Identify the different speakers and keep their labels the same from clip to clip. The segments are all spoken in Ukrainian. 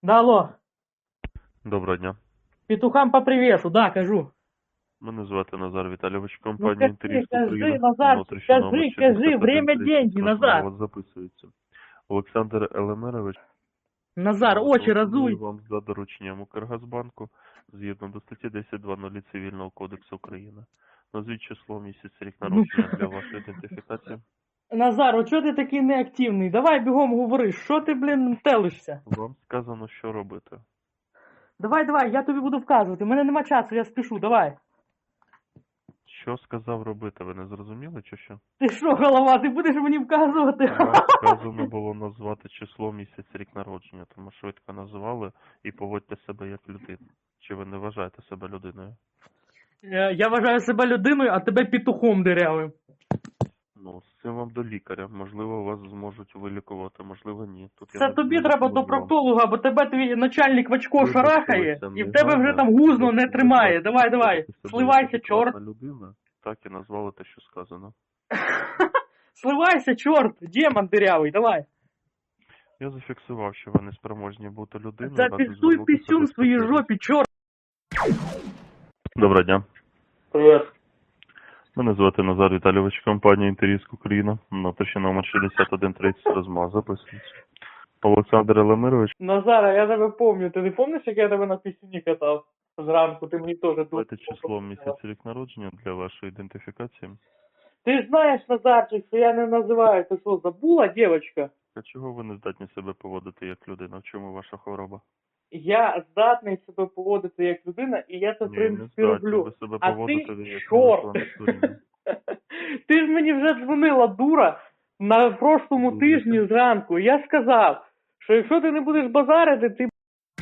Speaker 1: Да, алло.
Speaker 2: Доброго дня.
Speaker 1: Петухам по привесу, да, кажу.
Speaker 2: Мене звати Назар Віталійович,
Speaker 1: Ну
Speaker 2: компанія
Speaker 1: кажи,
Speaker 2: «Інтеріст
Speaker 1: кажи,
Speaker 2: Україна»,
Speaker 1: Назар,
Speaker 2: внутрішній номер
Speaker 1: кажи, время
Speaker 2: 6130,
Speaker 1: деньги,
Speaker 2: розмова у
Speaker 1: Назар.
Speaker 2: вас записується. Олександр Елемерович,
Speaker 1: Назар, очі
Speaker 2: телефоную
Speaker 1: разуй.
Speaker 2: вам за дорученням Укргазбанку згідно до статті 10.2.0 Цивільного кодексу України. Назвіть число, місяць, рік
Speaker 1: Ну,
Speaker 2: народження для вашої ідентифікації.
Speaker 1: Назар, о чого ти такий неактивний? Давай бігом говори, що ти, блін, телишся?
Speaker 2: Вам сказано, що робити.
Speaker 1: Давай, я тобі буду вказувати. У мене нема часу, я спішу, давай.
Speaker 2: Що сказав робити, ви не зрозуміли чи що?
Speaker 1: Ти що, голова, ти будеш мені вказувати?
Speaker 2: Вам сказано було назвати число, місяць, рік народження, тому швидко називали і поводьте себе як людина. Чи ви не вважаєте себе людиною?
Speaker 1: Я вважаю себе людиною, а тебе петухом дирявим.
Speaker 2: Ну, з цим вам до лікаря. Можливо, вас зможуть вилікувати, можливо, ні. Тут
Speaker 1: Це
Speaker 2: не
Speaker 1: тобі треба до
Speaker 2: допоможу вам.
Speaker 1: проктолога, бо тебе твій начальник в очко
Speaker 2: Вибачте,
Speaker 1: шарахає,
Speaker 2: це
Speaker 1: і в тебе вже
Speaker 2: негайно.
Speaker 1: там гузно не
Speaker 2: Ви
Speaker 1: тримає.
Speaker 2: бачите,
Speaker 1: Давай.
Speaker 2: себе як
Speaker 1: Сливайся, чорт.
Speaker 2: адекватна людина, так і назвали те, що сказано.
Speaker 1: Сливайся, чорт, демон дырявый, давай.
Speaker 2: Я зафіксував, що ви не спроможні бути людиною.
Speaker 1: Зафиксуй писюн в своей жопе, чорт.
Speaker 2: Доброго дня.
Speaker 1: Привет.
Speaker 2: Мене звати Назар Віталійович, компанія «Інтеріст Україна», внутрішній номер 6130, розмова записується. Олександр Елемирович,
Speaker 1: Назара, я тебе помню. Ти не помниш, як я тебе на пісюні катав зранку? Ти мені теж
Speaker 2: давайте число, місяць, рік народження для вашої ідентифікації.
Speaker 1: Ти ж знаєш, Назарчик, що я не називаю. Ти що, забула, дівчинка?
Speaker 2: А чого ви не здатні себе поводити як людина? В чому ваша хвороба?
Speaker 1: Я здатний себе поводити як людина, і я це, в
Speaker 2: Ні,
Speaker 1: принципі,
Speaker 2: не здатні
Speaker 1: роблю.
Speaker 2: ви себе
Speaker 1: А
Speaker 2: поводити
Speaker 1: ти
Speaker 2: як
Speaker 1: чорт!
Speaker 2: інтелектуальна.
Speaker 1: Ти ж мені вже дзвонила, дура, на прошлому
Speaker 2: Дуже
Speaker 1: тижні зранку. Я сказав, що якщо ти не будеш базарити, ти...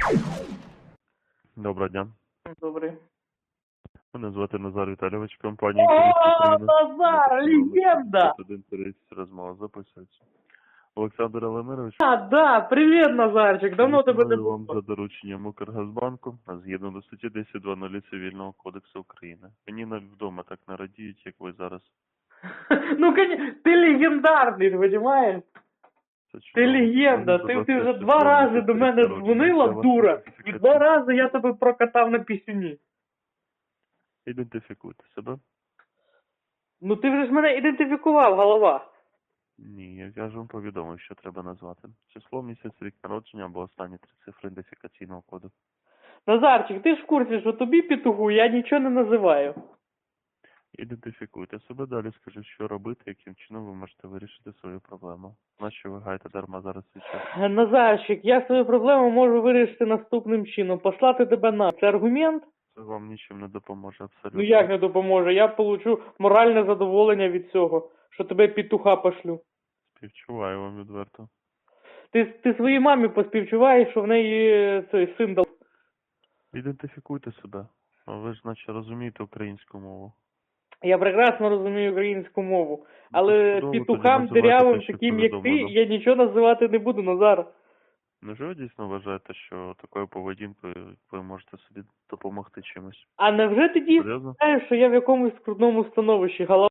Speaker 2: Доброго дня.
Speaker 1: Добре.
Speaker 2: Мене звати Назар Віталійович, компанія «Інтеріст
Speaker 1: О,
Speaker 2: Україна».
Speaker 1: Назар, легенда!
Speaker 2: 6130, розмова записується. Олександр Елемирович,
Speaker 1: Да, привет, Назарчик, давно тебе не
Speaker 2: телефоную вам
Speaker 1: було.
Speaker 2: за дорученням Укргазбанку, згідно до статті 10.2.0 Цивільного кодексу України. Мені навіть вдома так не радіють, як ви зараз.
Speaker 1: Ну, ти легендарний, розумієш?
Speaker 2: Це
Speaker 1: Ти
Speaker 2: чудово.
Speaker 1: легенда,
Speaker 2: Мені
Speaker 1: ти вже
Speaker 2: здалося,
Speaker 1: 2
Speaker 2: що
Speaker 1: рази
Speaker 2: ви
Speaker 1: до мене
Speaker 2: народження
Speaker 1: дзвонила,
Speaker 2: для вашої
Speaker 1: дура, і
Speaker 2: ідентифікації.
Speaker 1: 2 рази я тебе прокатав на пісюні.
Speaker 2: Ідентифікуйте себе.
Speaker 1: Ну ти вже ж мене ідентифікував, голова.
Speaker 2: Ні, я ж вам повідомив, що треба назвати. Число, місяць, рік народження або останні 3 цифри ідентифікаційного коду.
Speaker 1: Назарчик, ти ж в курсі, що тобі петуху я нічого не називаю.
Speaker 2: Ідентифікуйте себе, далі скажу, що робити, яким чином ви можете вирішити свою проблему. Нащо ви гаєте дарма зараз свій час?
Speaker 1: Назарчик, я свою проблему можу вирішити наступним чином. Послати тебе на. Це аргумент?
Speaker 2: Це вам нічим не допоможе абсолютно.
Speaker 1: Ну як не допоможе? Я получу моральне задоволення від цього, що тебе петуха пошлю.
Speaker 2: Співчуваю вам відверто.
Speaker 1: Ти своїй мамі поспівчуваєш, що в неї цей син дав.
Speaker 2: Ідентифікуйте себе. А ви ж наче розумієте українську мову.
Speaker 1: Я прекрасно розумію українську мову, але
Speaker 2: чудово, тоді
Speaker 1: петухам
Speaker 2: називайте
Speaker 1: дирявим,
Speaker 2: те, що
Speaker 1: таким як ти,
Speaker 2: повідомлено.
Speaker 1: я нічого називати не буду, Назар.
Speaker 2: Невже ви дійсно вважаєте, що такою поведінкою ви можете собі допомогти чимось?
Speaker 1: А невже ти дійсно
Speaker 2: Серйозно?
Speaker 1: знаєш, що я в якомусь скрутному становищі, голова?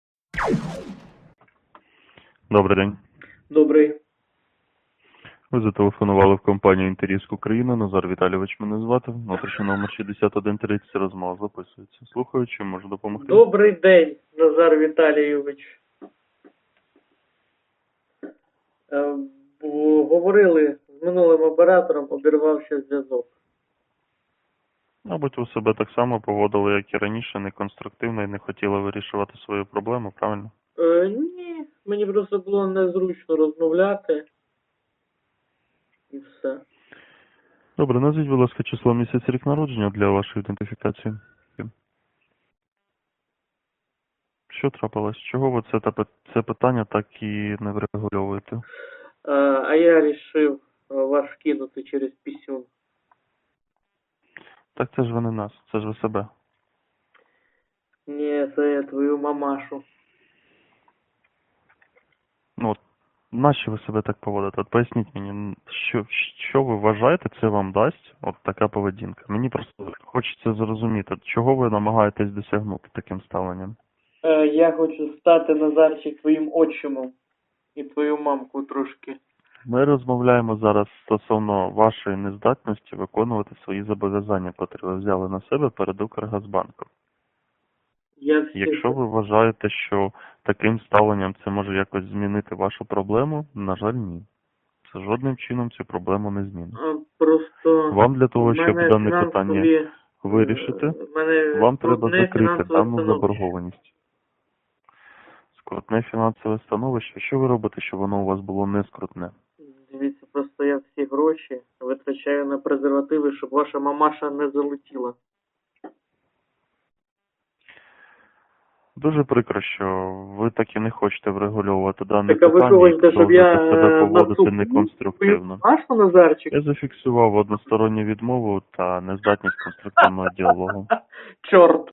Speaker 2: Добрий день.
Speaker 1: Добрий.
Speaker 2: Ви зателефонували в компанію «Інтеріст Україна». Назар Віталійович мене звати. Внутрішній номер 6130, розмова записується. Слухаю, чим можу допомогти?
Speaker 1: Добрий день, Назар Віталійович. Говорили з минулим оператором, обірвався зв'язок.
Speaker 2: Мабуть, ви себе так само поводили, як і раніше, неконструктивно і не хотіли вирішувати свою проблему, правильно?
Speaker 1: Ні, мені просто було незручно розмовляти. І все.
Speaker 2: Добре, назвіть, будь ласка, число, місяць, рік народження для вашої ідентифікації. Що трапилось? Чого ви це питання так і не врегульовуєте?
Speaker 1: А я вирішив вас кинути через пісюн.
Speaker 2: Так це ж ви не нас, це ж ви себе.
Speaker 1: Ні, це я твою мамашу.
Speaker 2: Ну, от, нащо ви себе так поводите? От поясніть мені, що ви вважаєте, це вам дасть от така поведінка? Мені просто хочеться зрозуміти, чого ви намагаєтесь досягнути таким ставленням?
Speaker 1: Я хочу стати, Назарчик, твоїм отчимом. І твою мамку трошки
Speaker 2: Ми розмовляємо зараз стосовно вашої нездатності виконувати свої зобов'язання, котрі ви взяли на себе перед Укргазбанком. Якщо ви вважаєте, що таким ставленням це може якось змінити вашу проблему, на жаль, ні. Це жодним чином цю проблему не змінить.
Speaker 1: Просто
Speaker 2: Вам для того,
Speaker 1: в
Speaker 2: щоб
Speaker 1: мене
Speaker 2: дане питання
Speaker 1: фінансові,
Speaker 2: вирішити,
Speaker 1: в мене
Speaker 2: вам треба
Speaker 1: скрутне
Speaker 2: закрити
Speaker 1: фінансове
Speaker 2: дану
Speaker 1: становище.
Speaker 2: заборгованість. Скрутне фінансове становище. Що ви робите, щоб воно у вас було не скрутне?
Speaker 1: Дивіться, просто я всі гроші витрачаю на презервативи, щоб ваша мамаша не залетіла.
Speaker 2: Дуже прикро, що ви так і не хочете врегульовувати дане
Speaker 1: Так, а ви
Speaker 2: питання
Speaker 1: що
Speaker 2: і
Speaker 1: хочете, щоб я
Speaker 2: продовжуєте себе поводити
Speaker 1: наступив?
Speaker 2: неконструктивно.
Speaker 1: Машу, Назарчик?
Speaker 2: Я зафіксував односторонню відмову та нездатність конструктивного діалогу.
Speaker 1: Чорт.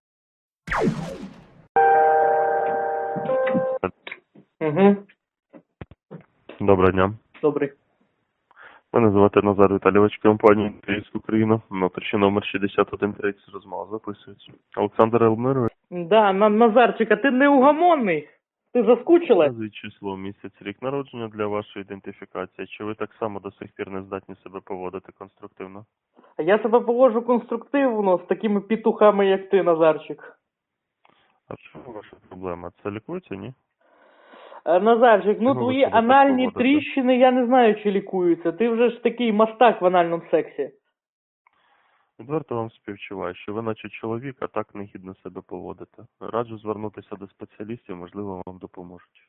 Speaker 1: Угу.
Speaker 2: Доброго дня.
Speaker 1: Добрий.
Speaker 2: Мене звати Назар Віталійович, компанія «Інтеріс Україна». Внутрішній номер 6130, розмова записується. Олександр Елмирович.
Speaker 1: Да, Назарчик, а ти неугомонний? Ти заскучила?
Speaker 2: Назвіть число, місяць, рік народження для вашої ідентифікації. Чи ви так само до сих пір не здатні себе поводити конструктивно?
Speaker 1: А я себе поводжу конструктивно з такими петухами, як ти, Назарчик.
Speaker 2: А що ваша проблема? Це лікується, ні?
Speaker 1: Назарчик, ну
Speaker 2: Чого ви
Speaker 1: твої
Speaker 2: себе так
Speaker 1: анальні
Speaker 2: поводите?
Speaker 1: тріщини, я не знаю, чи лікуються. Ти вже ж такий мастак в анальному сексі.
Speaker 2: Відверто вам співчуваю, що ви наче чоловік, а так негідно себе поводите. Раджу звернутися до спеціалістів, можливо, вам допоможуть.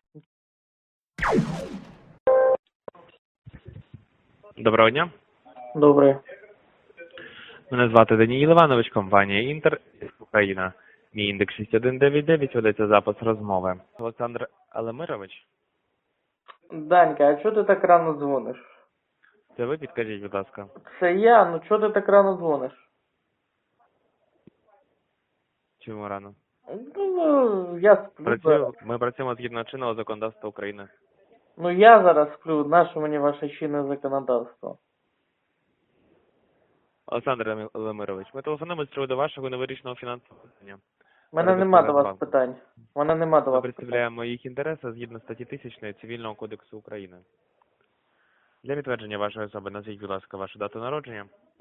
Speaker 3: Доброго дня.
Speaker 1: Добре.
Speaker 3: Мене звати Даніїл Іванович, компанія Інтер, Україна. Мій індекс 6199, ведеться запис розмови. Олександр Елемирович,
Speaker 1: Данька, а чого ти так рано дзвониш?
Speaker 3: це ви підкажіть, будь ласка.
Speaker 1: Це я, ну чого ти так рано дзвониш?
Speaker 3: Чому рано?
Speaker 1: Ну, я сплю зараз.
Speaker 3: Ми працюємо згідно чинного законодавства України.
Speaker 1: Ну я зараз сплю, наше мені ваше чинне законодавство.
Speaker 3: Олександр Елемирович, ми телефонуємо з приводу вашого невирішеного фінансового питання.
Speaker 1: У мене нема до вас питань. У мене нема до
Speaker 3: Ми
Speaker 1: вас питань.
Speaker 3: представляємо їх інтереси згідно статті 1000 Цивільного кодексу України. Для підтвердження вашої особи назвіть, будь ласка, вашу дату народження.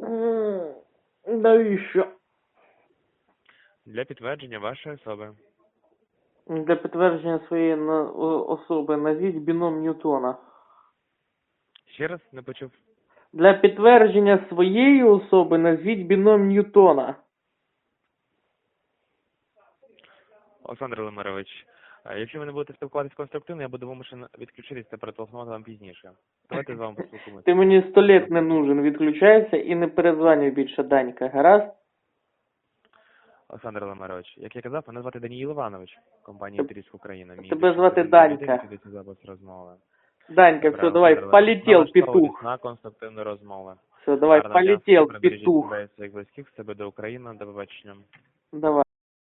Speaker 1: Навіщо?
Speaker 3: Для підтвердження вашої особи.
Speaker 1: Для підтвердження своєї особи назвіть біном Ньютона.
Speaker 3: Ще раз не почув.
Speaker 1: Для підтвердження своєї особи назвіть біном Ньютона.
Speaker 3: Олександр Лемирович, якщо ви не будете спілкуватися конструктивно, я буду вимушений відключитись та перетелефонувати вам пізніше. Давайте з вами поспілкуємося.
Speaker 1: Ти мені 100 літ не нужен, відключайся і не перезванюй більше, Данька, гаразд?
Speaker 3: Олександр Лемирович, як я казав, мене звати Даніїл Іванович, компанія «Інтеріс Україна». Мій
Speaker 1: Тебе
Speaker 3: індекс
Speaker 1: звати
Speaker 3: 6199,
Speaker 1: Данька.
Speaker 3: ведеться запис розмови.
Speaker 1: Данька,
Speaker 3: Добре,
Speaker 1: все, давай,
Speaker 3: Олександр
Speaker 1: полетел,
Speaker 3: Лемирович, налаштовуйтесь
Speaker 1: петух.
Speaker 3: на конструктивну розмову.
Speaker 1: Все, давай,
Speaker 3: Гарного дня,
Speaker 1: полетел,
Speaker 3: бережіть
Speaker 1: петух.
Speaker 3: себе і своїх близьких, себе до України, до побачення.
Speaker 1: Давай.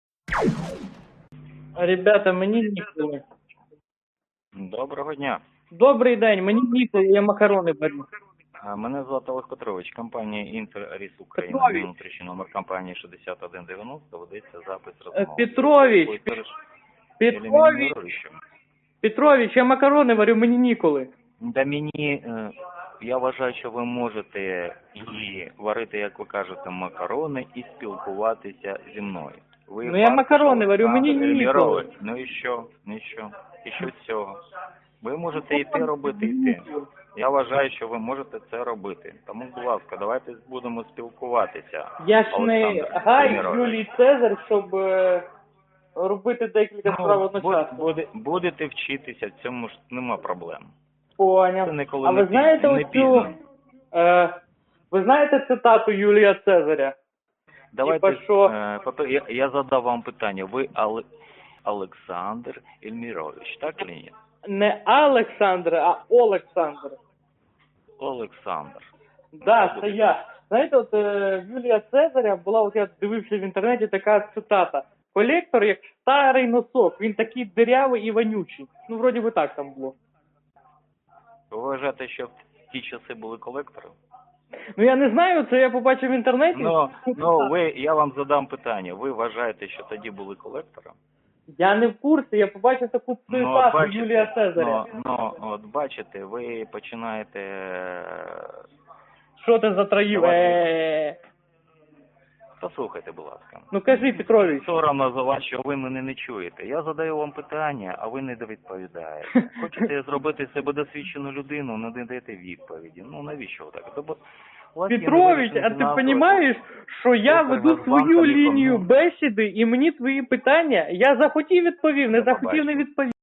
Speaker 1: Ребята, мені ніколи.
Speaker 4: Доброго дня.
Speaker 1: Добрий день, мені ніколи, я макарони варю.
Speaker 4: Мене звати Олег Петрович, компанія «Інтер-Ріс Україна».
Speaker 1: Петрович.
Speaker 4: Внутрішній номер компанії 6190, ведеться запис розмови.
Speaker 1: Петрович,
Speaker 4: Ви переш-
Speaker 1: Петрович,
Speaker 4: елімінуєте?
Speaker 1: Петрович, я макарони варю, мені ніколи.
Speaker 4: Да мені, я вважаю, що ви можете і варити, як ви кажете, макарони і спілкуватися зі мною. Ви
Speaker 1: Ну, я макарони варю, мені
Speaker 4: Олександр
Speaker 1: ніколи.
Speaker 4: Ельмірович. Ну і що? Ну і що? І що з цього? Ви можете і те робити, і те. Я вважаю, що ви можете це робити. Тому, будь ласка, давайте будемо спілкуватися.
Speaker 1: Я ж не
Speaker 4: Олександр
Speaker 1: Гай
Speaker 4: Ельмірович.
Speaker 1: Юлій Цезар, щоб робити декілька справ одночасно.
Speaker 4: Будете вчитися, в цьому ж нема проблем. Це
Speaker 1: Поняв.
Speaker 4: ніколи
Speaker 1: А ви знаєте
Speaker 4: не
Speaker 1: оцю,
Speaker 4: пізно.
Speaker 1: ви знаєте цитату Юлія Цезаря?
Speaker 4: Давайте,
Speaker 1: що?
Speaker 4: я задав вам питання. Ви Олександр Ельмірович, так чи ні?
Speaker 1: Не Олександр, а Олександр.
Speaker 4: Олександр.
Speaker 1: Да, це я. Знаєте, от Юлія Цезаря була, от я дивився в інтернеті, така цитата. Колектор як старий носок, він такий дирявий і вонючий. Ну, вроді би так там було.
Speaker 4: Ви вважаєте, що в ті часи були колектори?
Speaker 1: Ну, я не знаю, це я побачив в інтернеті.
Speaker 4: Я вам задам питання. Ви вважаєте, що тоді були колектори?
Speaker 1: Я не в курсі, я побачив таку цитату Юлія Цезаря.
Speaker 4: От бачите, ви починаєте...
Speaker 1: Що ти затроїв?
Speaker 4: Послухайте, будь ласка.
Speaker 1: Ну кажи, Петрович.
Speaker 4: Соромно за вас, що ви мене не чуєте. Я задаю вам питання, а ви не відповідаєте. Хочете зробити з себе досвідчену людину, не даєте відповіді. Ну навіщо ви так? Тобто, у вас є
Speaker 1: Петрович, а
Speaker 4: невирішений
Speaker 1: ти
Speaker 4: фінансовий
Speaker 1: розумієш, що я
Speaker 4: Супер,
Speaker 1: веду
Speaker 4: Нацбанк,
Speaker 1: свою
Speaker 4: Аліко,
Speaker 1: лінію
Speaker 4: ну.
Speaker 1: бесіди, і мені твої питання, я захотів відповів, не
Speaker 4: Я
Speaker 1: захотів не
Speaker 4: побачив.
Speaker 1: відповів.